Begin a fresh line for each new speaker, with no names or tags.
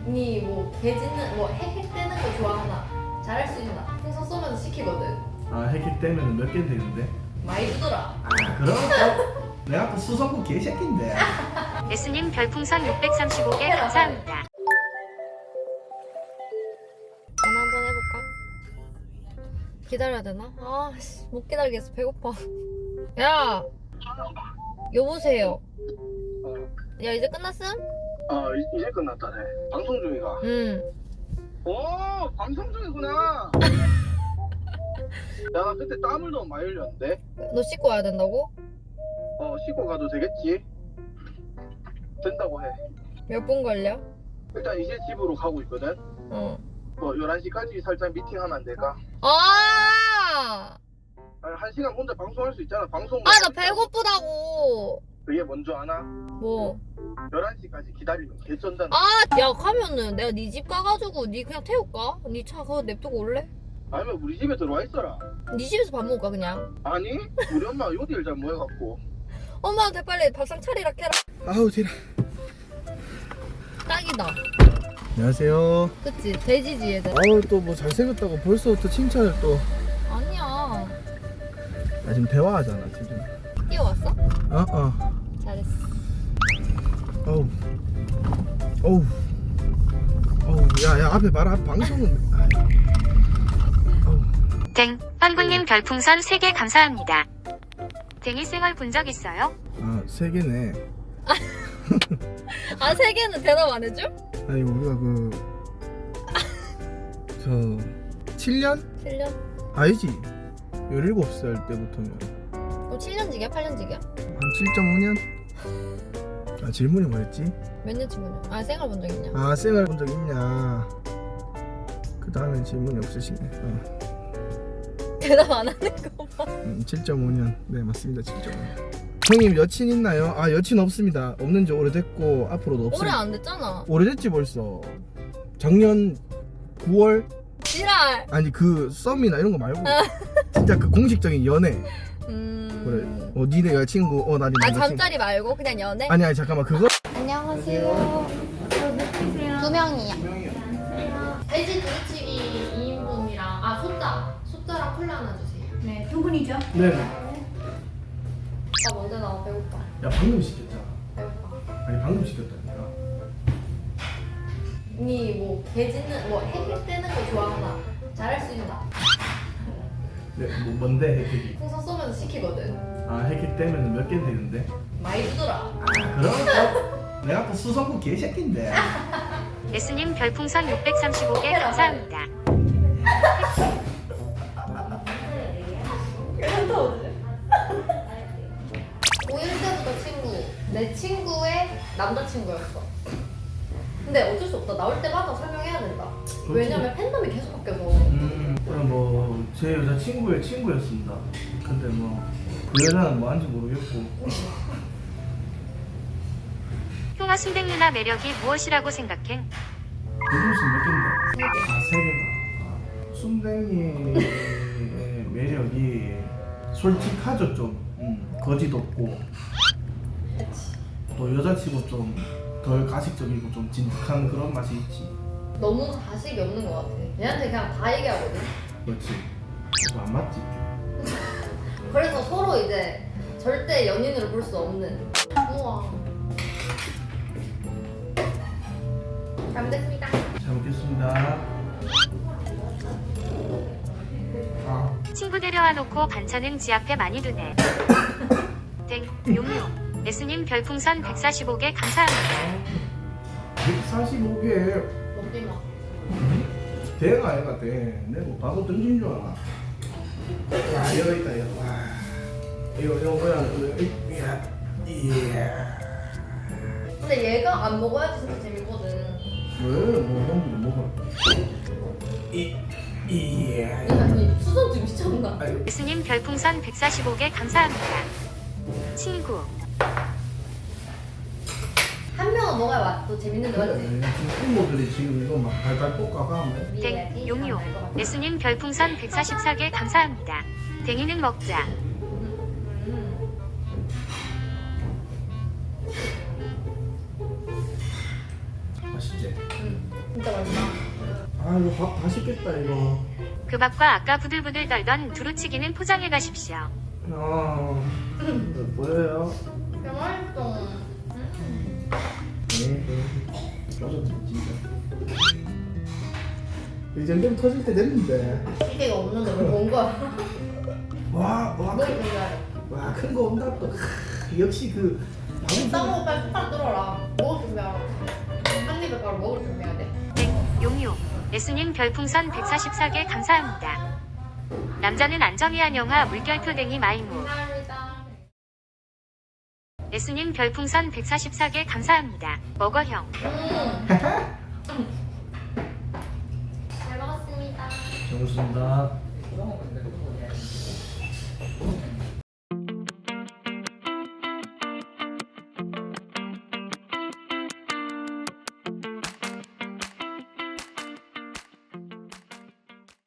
니 뭐 개짖는 뭐 헥헥대는 거 좋아하나? 잘할 수 있나? 풍선 쏘면서 시키거든.
아 헥헥 되면 몇 개 되는데?
많이 주더라.
아 그럼 또 내가 또 수성구 개새끼인데.
예수님 별풍선 635개 감사합니다.
전화 한번 해볼까? 기다려야 되나? 아, 못 기다리겠어. 배고파. 야! 여보세요. 야, 이제 끝났음?
이제 끝났다네. 방송 중이가.
응.
오, 방송 중이구나. 야, 나 그때 땀을 너무 많이 흘렸는데.
너 씻고 와야 된다고?
씻고 가도 되겠지? 된다고 해.
몇 분 걸려?
일단 이제 집으로 가고 있거든.
어.
11시까지 살짝 미팅하면 안 될까?
아!
아니, 1시간 혼자 방송할 수 있잖아. 방송.
아, 나 배고프다고!
그게 뭔지 아나?
뭐?
11시까지 기다리면 개쩐다.
아! 야, 가면은 내가 네 집 가가지고 니 그냥 태울까? 니 차 그거 냅두고 올래?
아니면 우리 집에 들어와 있어라.
니 집에서 밥 먹을까, 그냥?
아니, 우리 엄마 요리를 잘 모여갖고.
엄마한테 빨리 밥상 차리라 캐라.
아우 지라.
딱이다.
안녕하세요.
그치? 돼지지, 얘들.
아우 또 뭐 잘생겼다고 벌써부터 칭찬을 또.
아니야.
나 지금 대화하잖아 지금.
뛰어왔어? 잘했어.
어우. 어우. 어우. 야야 앞에 봐라. 방송은. 어우.
댕, 현구님 별풍선 3개 감사합니다. 댕이 쌩얼 본 적 있어요?
아 3개네.
아, 3개는 대답 안 해줘?
아니 우리가 저 7년?
7년?
아니지 17살 때부터면
그럼 7년직이야? 8년직이야?
한 7.5년? 아 질문이 뭐였지?
몇 년치 보냐? 아, 생활 본 적 있냐?
아 생활 본 적 있냐. 그 다음엔 질문이 없으시네.
대답 안 하는 거 봐.
7.5년. 네 맞습니다. 7.5년. 형님 여친 있나요? 아 여친 없습니다. 없는 지 오래됐고 앞으로도
오래
없어요.
안 됐잖아.
오래됐지 벌써. 작년 9월?
지랄!
아니 그 썸이나 이런 거 말고 진짜 그 공식적인 연애. 그래. 니네 여자친구 나 네
아,
남자친구.
잠자리 말고 그냥 연애?
아니 잠깐만 그거.
안녕하세요. 두 명이요.
명이요.
돼지 두루치기 2인분이랑 소자랑 콜라 하나 주세요.
네, 두 분이죠?
네.
나 먼저 나와. 배고파.
야 방금 시켰잖아.
배고파.
아니 방금 시켰다니까.
니 뭐 개짖는 뭐 헥헥대는 거 좋아하나? 잘할 수 있나?
네, 뭐 뭔데 헥헥이?
풍선 쏘면서 시키거든.
아 헥헥 되면 몇 개 되는데?
많이 주더라.
아 그럼 또 내가 또 수성구 개새끼인데.
예수님 별풍선 635개 감사합니다.
고1 때부터 친구. 내 친구의 남자친구였어. 근데 어쩔 수 없다. 나올 때마다 설명해야 된다. 왜냐면 팬덤이 계속 바뀌어서.
그럼 뭐 제 여자 친구의 친구였습니다. 근데 뭐 그 여자는 뭐한지 모르겠고.
형아 순댕 누나 매력이 무엇이라고 생각해?
무슨 몇 개인데? 아, 세 개나. 아, 순댕이의 매력이 솔직하죠 좀. 거짓 없고. 또 여자치고 좀 덜 가식적이고 좀 진득한 그런 맛이 있지.
너무 가식이 없는 것 같아. 얘한테 그냥 다 얘기하거든.
그렇지. 그거 안 맞지?
그래서 서로 이제 절대 연인으로 볼 수 없는. 우와. 잘 됐습니다.
잘 먹겠습니다. 아,
친구 데려와 놓고 반찬은 지 앞에 많이 두네. 댕, 용용. 예수님 별풍선 145개 감사합니다.
145개.
먹지 마.
대가 아이가 대. 내가 뭐 바보 던진 줄 알아. 와, 여기 있다, 이거. 와. 이거 뭐야, 이거. 이야.
근데 얘가 안 먹어야지 진짜 재밌거든.
왜? 뭐, 형도 먹어. 이야.
아니, 수선지 미쳤나?
아유.
예수님 별풍선 145개 감사합니다. 친구.
한 명은 먹어야 맛도 재밌는데 맞지?
지금 친구들이 지금 이거 막 발발 볶아가.
댕, 용용. 예수님 별풍선 144개 감사합니다. 댕이는 먹자.
맛있지?
응. 진짜 맛있다.
아 이거 밥 맛있겠다 이거.
그 밥과 아까 부들부들 떨던 두루치기는 포장해 가십시오.
보여요?
진짜 맛있어.
네. 터졌지 진짜. 이 정도면 터질 때 됐는데.
기대가 없는데 왜온 거야?
와와큰
먹을 준비하래.
거 온다 또. 역시 그
싸먹고 빨리 숟가락 들어라. 먹을 준비하라. 한 입에 바로 먹을 준비해야 돼.
용용. S님 별풍선 144개 감사합니다. 남자는 안정이한 영화 물결표댕이 마이무.
감사합니다.
S님 별풍선 144개 감사합니다. 먹어형.
잘 먹었습니다.
잘 먹습니다.